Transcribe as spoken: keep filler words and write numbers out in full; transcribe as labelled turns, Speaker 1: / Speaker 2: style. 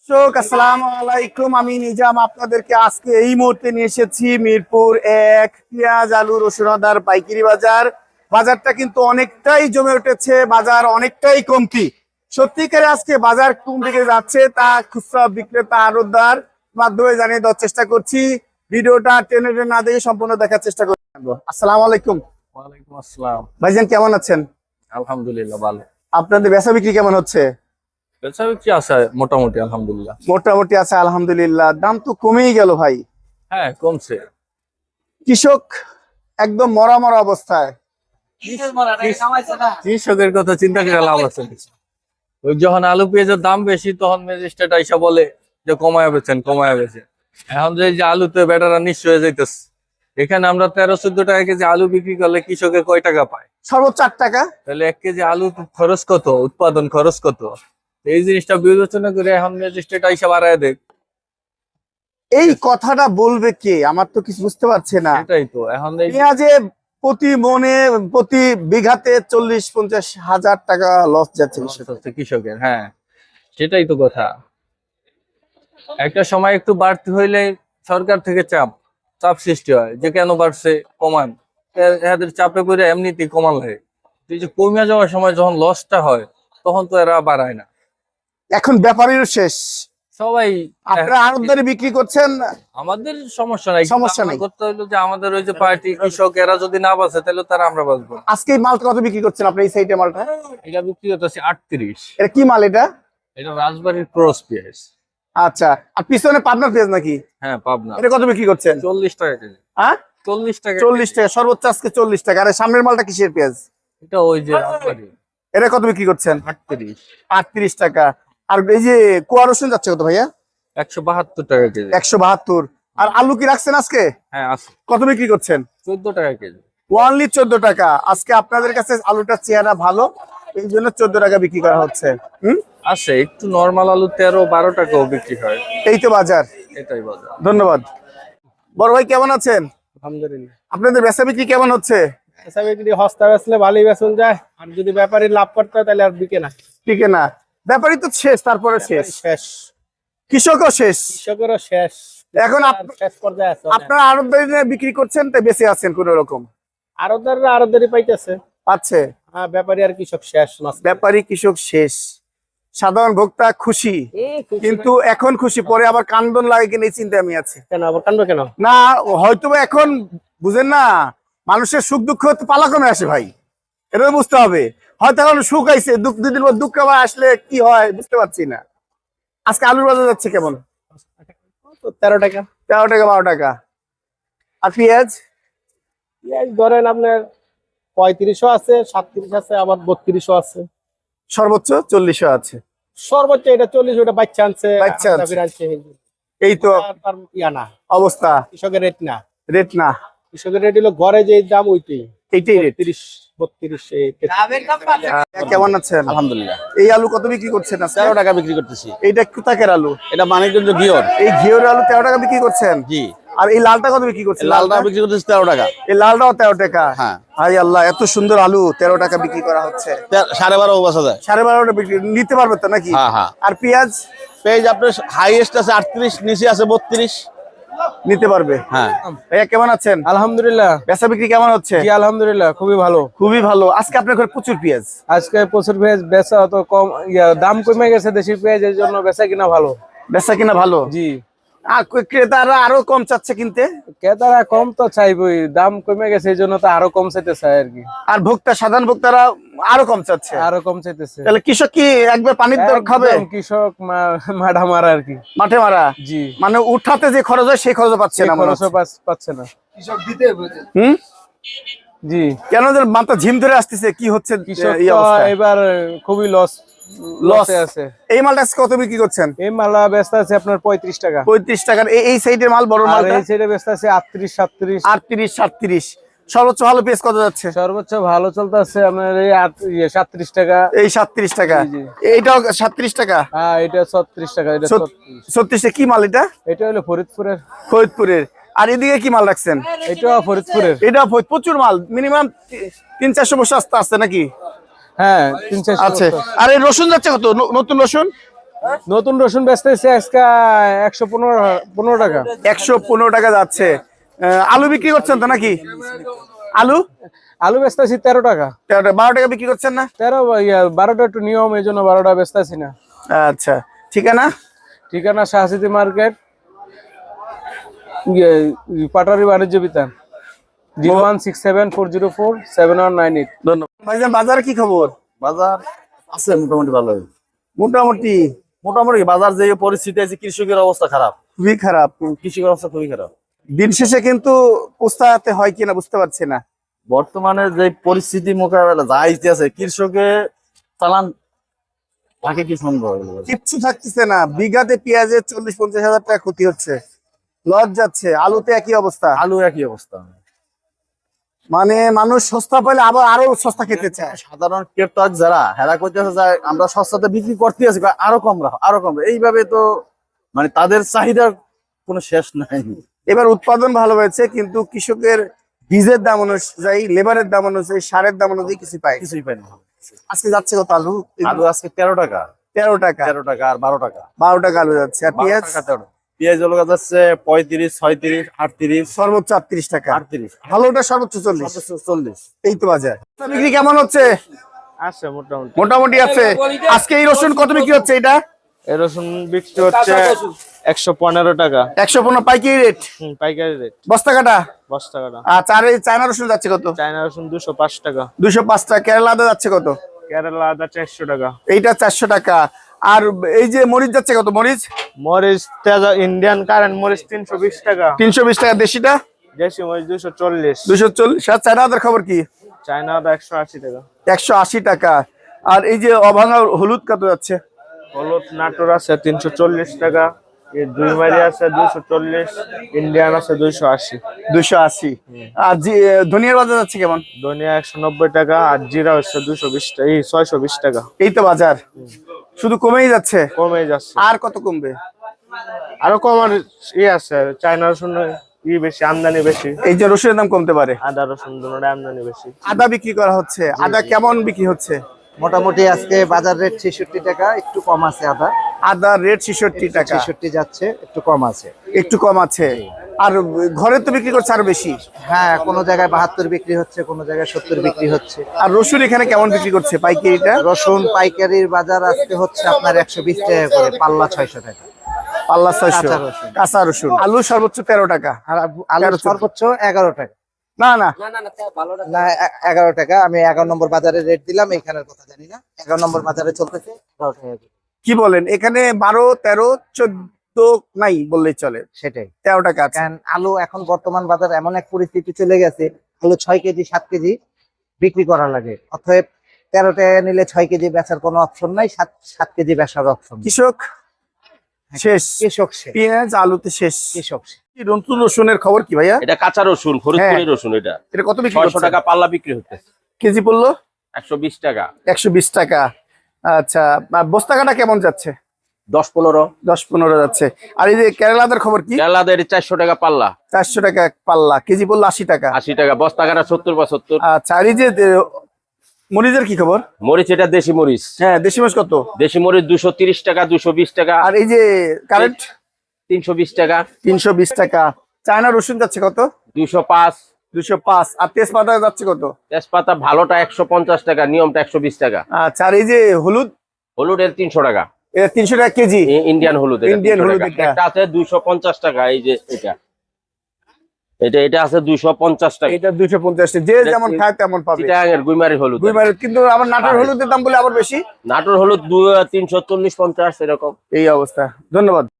Speaker 1: দর্শক আসসালামু আলাইকুম, আমি নিজাম আপনাদেরকে আজকে এই মুহূর্তে নিয়ে এসেছি মিরপুর এক পেঁয়াজ আলু রসুন আদার পাইকারি বাজার। বাজারটা কিন্তু অনেকটাই জমে উঠেছে, বাজার অনেকটাই কমতি। সত্যিকারে আজকে বাজার কোন দিকে যাচ্ছে তা খুচরা বিক্রেতা আড়তদার মাধ্যমে জানিয়ে দেওয়ার চেষ্টা করছি। ভিডিওটা টেনে টেনে না দেখে সম্পূর্ণ দেখার চেষ্টা করবো। আসসালামু আলাইকুম।
Speaker 2: ওয়ালাইকুম আসসালাম।
Speaker 1: ভাইজান কেমন আছেন?
Speaker 2: আলহামদুলিল্লাহ ভালো।
Speaker 1: আপনাদের বেচা বিক্রি কেমন হচ্ছে?
Speaker 2: বেচা বিক্রি আছে মোটামুটি আলহামদুলিল্লাহ।
Speaker 1: মোটামুটি আছে আলহামদুলিল্লাহ। দাম তো কমেই গেল ভাই।
Speaker 2: হ্যাঁ কমছে।
Speaker 1: কৃষক একদম মরা মরা অবস্থায়।
Speaker 2: কৃষকের কথা চিন্তা করে লাভ আছে? ওই যখন আলু পেঁয়াজের দাম বেশি তখন ম্যাজিস্ট্রেট আইসা বলে যে কমায়া বেচেন কমায়া বেচেন। এখন যে যে আলুতে বেটারা নিঃস্ব হয়ে যাইতেছে। এখানে আমরা তেরো চোদ্দ টাকা কেজি আলু বিক্রি করলে কৃষকের কয় টাকা পায়?
Speaker 1: সর্বোচ্চ আট টাকা।
Speaker 2: তাহলে এক কেজি আলু খরচ কত, উৎপাদন খরচ কত? এই জিনিসটা বিবেচনা করে এখন ম্যাজিস্ট্রেট আইসা বাড়ায় দেখ।
Speaker 1: এই কথাটা বলবে কে? আমার তো কিছু বুঝতে পারছে না।
Speaker 2: এটাই তো এখন
Speaker 1: পেঁয়াজে প্রতি মনে প্রতি বিঘাতে চল্লিশ পঞ্চাশ হাজার টাকা লস যাচ্ছে
Speaker 2: কৃষকের। হ্যাঁ সেটাই তো কথা। একটা সময় একটু বাড়তি হইলে সরকার থেকে চাপ চাপ সৃষ্টি হয় যে কেন বাড়ছে কমান, এদের চাপে করে এমনিতেই কমান লাগে। এই যে কমে যাওয়ার সময় যখন লসটা হয় তখন তো এরা বাড়ায় না।
Speaker 1: এখন ব্যাপারীর শেষ,
Speaker 2: সবাই
Speaker 1: আপনারা আড়তদারি বিক্রি করছেন,
Speaker 2: আমাদের সমস্যা নাই,
Speaker 1: সমস্যা নাই।
Speaker 2: করতে হইলো যে আমাদের ওই যে পার্টি কৃষক এরা যদি না বাঁচে তাহলে তারা আমরা বাঁচবো।
Speaker 1: আজকে এই মালটা কত বিক্রি করছেন আপনি? এই সাইডে মালটা
Speaker 2: এটা বিক্রি করতেছি আটত্রিশ।
Speaker 1: এটা কি মাল? এটা
Speaker 2: এটা রাজবাড়ির ক্রস পেঁয়াজ।
Speaker 1: আচ্ছা, আর পিছনে পাবনার পেঁয়াজ নাকি?
Speaker 2: হ্যাঁ পাবনা।
Speaker 1: এটা কত বিক্রি করছেন?
Speaker 2: চল্লিশ টাকা কেজি।
Speaker 1: হ্যাঁ
Speaker 2: চল্লিশ টাকা।
Speaker 1: চল্লিশ টাকা সর্বোচ্চ আজকে চল্লিশ টাকা। আর সামনের মালটা কিসের পেঁয়াজ?
Speaker 2: এটা ওই যে রাজবাড়ি।
Speaker 1: এটা কত বিক্রি করছেন?
Speaker 2: আটত্রিশ।
Speaker 1: আটত্রিশ টাকা। আর এই যে কুয়া রসুন যাচ্ছে কত ভাইয়া?
Speaker 2: একশো বাহাত্তর টাকা কেজি।
Speaker 1: একশো বাহাত্তর। আর আলু কি রাখছেন আজকে?
Speaker 2: হ্যাঁ আছে।
Speaker 1: কত বিক্রি করছেন?
Speaker 2: চোদ্দ টাকা কেজি।
Speaker 1: ওয়ানলি চোদ্দ টাকা। আজকে আপনাদের কাছে আলুটার চেহারা ভালো, এই জন্য চোদ্দ টাকা বিক্রি করা হচ্ছে। হম
Speaker 2: আছে একটু নরমাল আলু তেরো বারো টাকাও বিক্রি হয়।
Speaker 1: এই তো বাজার।
Speaker 2: এটাই বাজার।
Speaker 1: ধন্যবাদ। বড় ভাই কেমন আছেন?
Speaker 3: আলহামদুলিল্লাহ।
Speaker 1: আপনাদের বেচা বিক্রি কেমন হচ্ছে?
Speaker 3: বেচা বিক্রি হস্তা বেচলে ভালোই বেচন যায়, আর যদি ব্যাপারী লাভ করতে হয় তাহলে আর বিকে না।
Speaker 1: ঠিক না, ব্যাপারই তো শেষ, তারপরে শেষ,
Speaker 3: শেষ,
Speaker 1: কৃষকও শেষ,
Speaker 3: কৃষকেরও শেষ।
Speaker 1: এখন
Speaker 3: আর শেষ পর্যায়ে আছে।
Speaker 1: আপনারা আড়তদারি বিক্রি করছেন তাই বেঁচে আছেন কোন রকম?
Speaker 3: আরতদাররা আরতদারি পাইতেছে,
Speaker 1: পাচ্ছে।
Speaker 3: হ্যাঁ ব্যাপারী আর কৃষক শেষ।
Speaker 1: ব্যাপারী কৃষক শেষ, সাধারণ ভোক্তা খুশি, কিন্তু এখন খুশি পরে আবার কান্দন লাগে কিনা এই চিন্তা আমি আছি।
Speaker 3: কেন আবার কান্দবে কেন?
Speaker 1: না হয়তো এখন বুঝেন না, মানুষের সুখ দুঃখ তো পালাক্রমে আসে ভাই, এটা বুঝতে হবে। হয়তো এখন সুখ আইছে, দুঃখ দুদিন পর দুঃখ আবার আসলে কি হয় বুঝতে পারছি না। আজকে আলুর বাজার যাচ্ছে কেমন?
Speaker 3: তেরো টাকা।
Speaker 1: তেরো টাকা বারো টাকা। আর পেঁয়াজ?
Speaker 3: পেঁয়াজ ধরেন আপনার পঁয়ত্রিশও আছে, সাতত্রিশ আছে, আবার বত্রিশও আছে,
Speaker 1: সর্বোচ্চ চল্লিশও আছে।
Speaker 3: সর্বোচ্চ এটা চল্লিশ। ওটা বাচ্চা আনছে,
Speaker 1: বাচ্চা আনছে।
Speaker 3: আনছে।
Speaker 1: এই তো
Speaker 3: তার ইয়া না
Speaker 1: অবস্থা,
Speaker 3: কৃষকের রেট না,
Speaker 1: রেট না,
Speaker 3: কৃষকের রেট হলো ঘরে যে দাম ওইটাই,
Speaker 1: এইটাই রেট।
Speaker 3: তিরিশ বত্রিশ।
Speaker 1: কেমন আছেন?
Speaker 4: আলহামদুলিল্লাহ।
Speaker 1: এই আলু কত বিক্রি করছেন?
Speaker 4: তেরো টাকা বিক্রি করতেছি।
Speaker 1: এইটা কোথাকার আলু?
Speaker 4: এটা মানিকগঞ্জ ঘিওর।
Speaker 1: এই ঘিওর আলু তেরো টাকা বিক্রি করছেন?
Speaker 4: জি।
Speaker 1: আর এই লালটা কত বিক্রি করছেন?
Speaker 4: লালটা বিক্রি করতেছি তেরো টাকা।
Speaker 1: এই লালটাও তেরো টাকা?
Speaker 4: হ্যাঁ।
Speaker 1: হাই আল্লাহ, এত সুন্দর আলু তেরো টাকা বিক্রি করা হচ্ছে।
Speaker 4: তে- সাড়ে বারো বছর যায়।
Speaker 1: সাড়ে বারোটা বিক্রি নিতে পারবে তো নাকি?
Speaker 4: হ্যাঁ হ্যাঁ।
Speaker 1: আর পেঁয়াজ?
Speaker 4: পেঁয়াজ আপনার হাইয়েস্ট আছে আটত্রিশ, নিচে আছে বত্রিশ।
Speaker 1: নিতে পারবে।
Speaker 4: হ্যাঁ।
Speaker 1: ভাইয়া কেমন আছেন?
Speaker 3: আলহামদুলিল্লাহ।
Speaker 1: বেচা বিক্রি কেমন হচ্ছে?
Speaker 3: জি আলহামদুলিল্লাহ, খুবই ভালো।
Speaker 1: খুবই ভালো। আজকে আপনার ঘরে প্রচুর পেঁয়াজ?
Speaker 3: আজকে প্রচুর পেঁয়াজ বেচা অত কম, ইয়া, দাম কমে গেছে দেশি পেঁয়াজের জন্য বেচা কিনা ভালো।
Speaker 1: বেচা কিনা ভালো?
Speaker 3: জি।
Speaker 1: আর ক্রেতারা আরো কম চাচ্ছে কিনতে?
Speaker 3: ক্রেতারা কম তো চাইবই, দাম কমে গেছে এই জন্য তো আরো কম চাইতে চায় আর কি।
Speaker 1: আর ভোক্তা সাধারণ ভোক্তারা আরো কম চাচ্ছে।
Speaker 3: আরো কম চাইতেছে।
Speaker 1: তাহলে কৃষক কি একবার পানির দর খাবে?
Speaker 3: একদম কৃষক মা- মাঠা মারা আর কি।
Speaker 1: মাঠে মারা।
Speaker 3: জি।
Speaker 1: মানে উঠাতে যে খরচ হয় সেই খরচ পাচ্ছে না মনে
Speaker 3: খরচও
Speaker 1: হচ্ছে।
Speaker 3: পাচ- পাচ্ছে না।
Speaker 1: হুম
Speaker 3: জি।
Speaker 1: কেন যেন মাথা ঝিম ধরে আসতেছে, কি হচ্ছে
Speaker 3: কৃষক
Speaker 1: এই
Speaker 3: তো
Speaker 1: অবস্থা?
Speaker 3: এবার খুবই লস
Speaker 1: লস
Speaker 3: লসে আছে।
Speaker 1: এই মালটা আজকে কত বিক্রি করছেন?
Speaker 3: এই মালা ব্যস্ত আছে আপনার পঁয়ত্রিশ টাকা।
Speaker 1: পঁয়ত্রিশ টাকার। এই এই সাইডের মাল বড়
Speaker 3: আর
Speaker 1: মালটা
Speaker 3: এই সাইডে ব্যস্ত আছে আটত্রিশ সাতত্রিশ।
Speaker 1: আটত্রিশ সাতত্রিশ। সর্বোচ্চ ভালো পেঁয়াজ কত যাচ্ছে?
Speaker 3: সর্বোচ্চ ভালো চলতে আছে আপনার এই আট- ইয়ে, সাতত্রিশ টাকা।
Speaker 1: এই সাতত্রিশ টাকা।
Speaker 3: জি, জি।
Speaker 1: এইটাও সাতত্রিশ টাকা।
Speaker 3: হ্যাঁ এটা ছত্রিশ টাকা। এটা
Speaker 1: সত-
Speaker 3: ছত্রিশ।
Speaker 1: ছত্রিশ কি মাল এটা?
Speaker 3: এটা হলো ফরিদপুরের।
Speaker 1: ফরিদপুরের। আর এদিকে কি মাল রাখছেন?
Speaker 3: এটাও ফরিদপুরের।
Speaker 1: এটা প্রচুর মাল, মিনিমাম তিন চারশো বছর আসতে আসছে নাকি?
Speaker 3: হ্যাঁ তিন চারশো
Speaker 1: আচ্ছা।
Speaker 3: বস্তা।
Speaker 1: আর এই রসুন যাচ্ছে কত? ন- নতুন রসুন
Speaker 3: নতুন রসুন বেচতেছে আজকে একশো পনেরো পনেরো টাকা।
Speaker 1: একশো পনেরো টাকা যাচ্ছে। আহ, আলু বিক্রি করছেন তো নাকি? আলু
Speaker 3: আলু বেচতেছি তেরো টাকা।
Speaker 1: তেরো টাকা, বারো টাকা বিক্রি করছেন না?
Speaker 3: তেরো ইয়া বারোটা একটু নিয়ম, এই জন্য বারোটা বেচতেছি না।
Speaker 1: আচ্ছা, ঠিকানা?
Speaker 3: ঠিকানা শাহসিটি মার্কেট, ইয়ে, Patari Banijya Bitan, zero one six seven four zero four seven one nine eight.
Speaker 1: ধন্যবাদ ভাইজান। বাজারে কি খবর?
Speaker 4: বাজার আছে মোটামুটি ভালোই।
Speaker 1: মোটামুটি
Speaker 4: মোটামুটি বাজার যে পরিস্থিতি আছে, কৃষকের অবস্থা খারাপ,
Speaker 1: খুবই খারাপ।
Speaker 4: কৃষকের অবস্থা খুবই খারাপ।
Speaker 1: দিন শেষে কিন্তু পোস্তাতে হয় কিনা বুঝতে পারছি না।
Speaker 4: বর্তমানে যে পরিস্থিতি মোকাবেলা যা আছে, কৃষকে চালান তাকে কি সম্ভব?
Speaker 1: কিচ্ছু থাকতেছে না। বিঘাতে পেঁয়াজের চল্লিশ পঞ্চাশ হাজার টাকা ক্ষতি হচ্ছে, লস যাচ্ছে। আলুতে একই অবস্থা,
Speaker 4: আলু একই অবস্থা।
Speaker 1: মানে মানুষ সস্তা পেলে আবার আরো সস্তা খেতে চায়।
Speaker 4: সাধারণ ক্রেতাক যারা হেরা করতেছে যায়, আমরা সস্তাতে বিক্রি করতে আছি, কয় আরো কম রাখো আরো কম রাখো। এইভাবে তো মানে তাদের চাহিদার কোনো শেষ নাই।
Speaker 1: এবার উৎপাদন ভালো হয়েছে, কিন্তু কৃষকের বীজের দাম অনুযায়ী, লেবারের দাম অনুযায়ী, সারের দাম অনুযায়ী কিছু পায়।
Speaker 4: কিছুই পাই না।
Speaker 1: আজকে যাচ্ছে কত আলু?
Speaker 4: আলু আজকে তেরো টাকা।
Speaker 1: তেরো টাকা।
Speaker 4: তেরো টাকা আর বারো টাকা।
Speaker 1: বারো টাকা আলু যাচ্ছে। আর পেঁয়াজ?
Speaker 4: বারো টাকা তেরো। পেঁয়াজ হলো যাচ্ছে পঁয়ত্রিশ, ছয়ত্রিশ, আটত্রিশ,
Speaker 1: সর্বোচ্চ আটত্রিশ টাকা।
Speaker 4: আটত্রিশ,
Speaker 1: ভালোটা সর্বোচ্চ চল্লিশ।
Speaker 4: চল্লিশ।
Speaker 1: এই তো বাজার। বিক্রি কেমন হচ্ছে?
Speaker 3: আছে মোটামুটি
Speaker 1: মোটামুটি আছে। আজকে এই রসুন কত বিক্রি হচ্ছে? এটা
Speaker 3: এই রসুন বিক্রি হচ্ছে একশো পনেরো টাকা।
Speaker 1: একশো পনেরো পাইকারি রেট,
Speaker 3: পাইকারি রেট,
Speaker 1: বস্তা কাটা।
Speaker 3: বস্তা কাটা।
Speaker 1: আচ্ছা, আর এই চায়না রসুন যাচ্ছে কত?
Speaker 3: চায়না রসুন দুশো পাঁচ টাকা।
Speaker 1: দুশো পাঁচ টাকা। কেরালা আদা যাচ্ছে কত?
Speaker 3: কেরালা আদা চারশো টাকা।
Speaker 1: এইটা চারশো টাকা। আর এই যে মরিচ যাচ্ছে কত? মরিচ
Speaker 3: মরিচ তেজা ইন্ডিয়ান কারেন্ট মরিচ তিনশো বিশ টাকা।
Speaker 1: তিনশো বিশ টাকা। দেশিটা
Speaker 3: দেশি মরিচ দুশো চল্লিশ।
Speaker 1: দুশো চল্লিশ। আর চায়না আদার খবর কি?
Speaker 3: চায়না আদা একশো আশি টাকা।
Speaker 1: একশো আশি টাকা। আর এই যে অভাঙা হলুদ কত যাচ্ছে?
Speaker 3: হলুদ নাটোর আছে তিনশো চল্লিশ টাকা, এই দুই মারি আছে দুইশো চল্লিশ, ইন্ডিয়ান আছে দুইশো আশি।
Speaker 1: দুশো আশি। আর জি- ধনিয়ার বাজার যাচ্ছে কেমন?
Speaker 3: ধনিয়া একশো নব্বই টাকা, আর জিরা হচ্ছে দুশো বিশ টাকা, এই ছয়শো বিশ টাকা।
Speaker 1: এই তো বাজার, শুধু কমেই যাচ্ছে।
Speaker 3: কমে যাচ্ছে।
Speaker 1: আর কত কমবে?
Speaker 3: আরো কমার ই আছে, চায়না রসুন ই বেশি, আমদানি বেশি।
Speaker 1: এই যে রসুনের দাম কমতে পারে।
Speaker 3: আদা রসুন দুটোর আমদানি বেশি।
Speaker 1: আদা বিক্রি করা হচ্ছে। আদা কেমন বিক্রি হচ্ছে?
Speaker 5: মোটামুটি আজকে বাজার রেট ছেষট্টি টাকা, একটু কম আছে আদা।
Speaker 1: আদার রেট ছেষট্টি টাকা,
Speaker 5: ছেষট্টি যাচ্ছে, একটু কম আছে।
Speaker 1: একটু কম আছে। আর ঘরে তো বিক্রি করছে আরো বেশি।
Speaker 5: হ্যাঁ, কোনো জায়গায় বাহাত্তর বিক্রি হচ্ছে, কোনো জায়গায় সত্তর বিক্রি হচ্ছে।
Speaker 1: আর রসুন এখানে কেমন বিক্রি করছে পাইকারিটা?
Speaker 5: রসুন পাইকারির বাজার আজকে হচ্ছে আপনার একশো বিশ টাকা করে, পাল্লা ছয়শো টাকা।
Speaker 1: পাল্লা ছয়শো।
Speaker 5: কাঁচা রসুন।
Speaker 1: কাঁচা রসুন। আলু সর্বোচ্চ তেরো টাকা।
Speaker 5: আর আলু সর্বোচ্চ এগারো টাকা।
Speaker 1: না না,
Speaker 5: না, এ- এগারো টাকা। আমি এগারো নম্বর বাজারে রেট দিলাম, এখানের কথা জানি না। এগারো নম্বর বাজারে চলতেছে এগারো টাকা করে।
Speaker 1: কি বলেন? এখানে বারো তেরো চোদ্দ নাই বললেই চলে,
Speaker 5: সেটাই।
Speaker 1: তেরো টাকা আছে।
Speaker 5: কারণ আলু এখন বর্তমান বাজার এমন এক পরিস্থিতি চলে গেছে, আলু ছয় কেজি সাত কেজি বিক্রি করা লাগে। অতএব তেরো টাকা নিলে ছয় কেজি বেচার কোনো অপশন নাই, সাত সাত কেজি বেচার অপশন।
Speaker 1: কৃষক শেষ।
Speaker 5: কৃষক সে,
Speaker 1: পেঁয়াজ আলুতে শেষ।
Speaker 5: কৃষক সে।
Speaker 1: কি নতুন রসুনের খবর কি ভাইয়া?
Speaker 6: এটা কাঁচা রসুন, ফরিদপুরি
Speaker 1: হ্যাঁ।
Speaker 6: রসুন। এটা
Speaker 1: এটা কত বিক্রি
Speaker 6: ছয়শো
Speaker 1: করছে?
Speaker 6: টাকা পাল্লা বিক্রি হচ্ছে,
Speaker 1: কেজি পড়লো
Speaker 6: একশো বিশ টাকা।
Speaker 1: একশো বিশ টাকা। আচ্ছা, আর বস্তা কাটা কেমন যাচ্ছে?
Speaker 6: দশ পনেরো।
Speaker 1: দশ পনেরো যাচ্ছে। আর এই যে কেরালাদের খবর কি?
Speaker 6: কেরালাদের চারশো টাকা পাল্লা,
Speaker 1: চারশো টাকা এক পাল্লা, কেজি পড়লো আশি টাকা।
Speaker 6: আশি টাকা। বস্তা কাটা সত্তর বা সত্তর।
Speaker 1: আচ্ছা, আর এই যে আহ, মরিচের কি খবর?
Speaker 6: মরিচ এটা দেশি মরিচ।
Speaker 1: হ্যাঁ, দেশি মাছ কত?
Speaker 6: দেশি মরিচ দুশো তিরিশ টাকা, দুশো বিশ টাকা,
Speaker 1: আর এই যে কারেন্ট
Speaker 6: তিনশো বিশ টাকা।
Speaker 1: তিনশো বিশ টাকা। চায়না রসুন যাচ্ছে কত?
Speaker 6: দুশো পাঁচ।
Speaker 1: দুশো পাঁচ। আর তেজপাতা যাচ্ছে কত?
Speaker 6: তেজপাতা ভালোটা একশো পঞ্চাশ টাকা, নিয়মটা একশো বিশ টাকা।
Speaker 1: আচ্ছা, আর এই যে হলুদ?
Speaker 6: হলুদ এর তিনশো টাকা।
Speaker 1: এটা তিনশো টাকা কেজি।
Speaker 6: ই- ইন্ডিয়ান হলুদ। এটা
Speaker 1: ইন্ডিয়ান
Speaker 6: তিনশো
Speaker 1: হলুদ
Speaker 6: টাকা।
Speaker 1: এটা।
Speaker 6: একটা আছে দুইশো পঞ্চাশ টাকা। এই যে এটা এটা এটা আছে দুইশো পঞ্চাশ টাকা।
Speaker 1: এটা দুইশো পঞ্চাশ। যে
Speaker 6: এটা
Speaker 1: যেমন
Speaker 6: কি-
Speaker 1: খায় তেমন পাবে।
Speaker 6: চিটাগাঙের গুইমারি হলুদ।
Speaker 1: দুইবার। কিন্তু আমার নাটোর হলুদের দাম বলে আবার বেশি।
Speaker 6: নাটোর হলুদ তিনশো চল্লিশ পঞ্চাশ এরকম।
Speaker 1: এই অবস্থা। ধন্যবাদ।